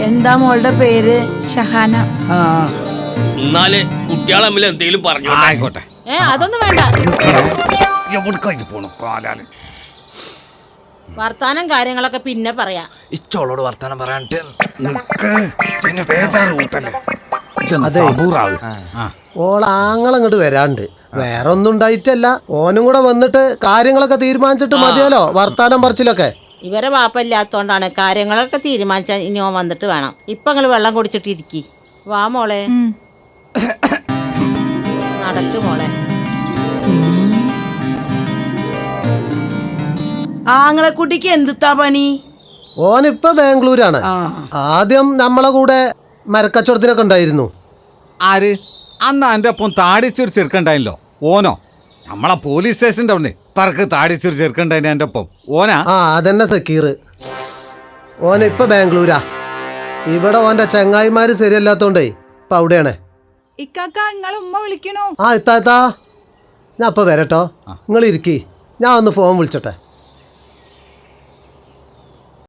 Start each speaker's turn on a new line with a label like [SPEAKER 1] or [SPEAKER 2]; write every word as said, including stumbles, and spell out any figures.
[SPEAKER 1] എന്താ മോളുടെ പേര്?
[SPEAKER 2] ഷഹാന.
[SPEAKER 1] ആ
[SPEAKER 3] എന്നാല് കുട്ടികളെ തമ്മിൽ എന്തെങ്കിലും പറഞ്ഞു
[SPEAKER 4] ആയിക്കോട്ടെ.
[SPEAKER 5] ഏ അതൊന്നും വേണ്ട.
[SPEAKER 4] എവിടേക്കായിട്ട് പോണു കാലാല്?
[SPEAKER 5] വർത്താനം കാര്യങ്ങളൊക്കെ പിന്നെ പറയാ.
[SPEAKER 4] ഇച്ചോളോട് വർത്താനം പറയാനിട്ട് പിന്നെ ബേജാറ് കൂട്ടല്ലേ.
[SPEAKER 6] ഓളാങ്ങളങ്ങോട്ട് വരാണ്ട് വേറെ ഒന്നും ഉണ്ടായിട്ടല്ല, ഓനും കൂടെ വന്നിട്ട് കാര്യങ്ങളൊക്കെ തീരുമാനിച്ചിട്ട് മതിയല്ലോ വർത്താനം പറച്ചിലൊക്കെ.
[SPEAKER 5] ഇവരെ വാപ്പല്ലാത്തോണ്ടാണ് കാര്യങ്ങളൊക്കെ തീരുമാനിച്ചാൽ ഇനി ഓൻ വന്നിട്ട് വേണം. ഇപ്പൊ നിങ്ങള് വെള്ളം കുടിച്ചിട്ടിരിക്കി. വാ മോളെ, നടക്ക് മോളെ.
[SPEAKER 1] ആങ്ങളെ കുട്ടിക്ക് എന്തുത്താ പണി?
[SPEAKER 6] ഓനിപ്പോ ബാംഗ്ലൂരാണ്. ആദ്യം നമ്മളെ കൂടെ മരക്കച്ചവടത്തിനൊക്കെ ഉണ്ടായിരുന്നു.
[SPEAKER 4] ആര്? അന്ന് എൻ്റെ ഒപ്പം താടിച്ചൊരു ചെറുക്കണ്ടായില്ലോ, ഓനോ? നമ്മളെ പോലീസ് സ്റ്റേഷൻ്റെ അവിടെ തറക്ക് താടിച്ചൊരു ചെറുക്കണ്ടായിന് എൻ്റെ ഒപ്പം, ഓനാ?
[SPEAKER 6] ആ അതന്നെ സക്കീർ. ഓൻ ഇപ്പൊ ബാംഗ്ലൂരാ. ഇവിടെ ഓന്റെ ചങ്ങായിമാര് ശരിയല്ലാത്തോണ്ടേ ഇപ്പൊ അവിടെയാണ്.
[SPEAKER 2] ഇക്കാക്ക നിങ്ങളെ ഉമ്മ വിളിക്കണോ?
[SPEAKER 6] ആ ഇത്താത്താ, ഞാൻ ഇപ്പൊ വരട്ടോ, നിങ്ങൾ ഇരിക്കി, ഞാൻ ഒന്ന് ഫോൺ വിളിച്ചോട്ടെ.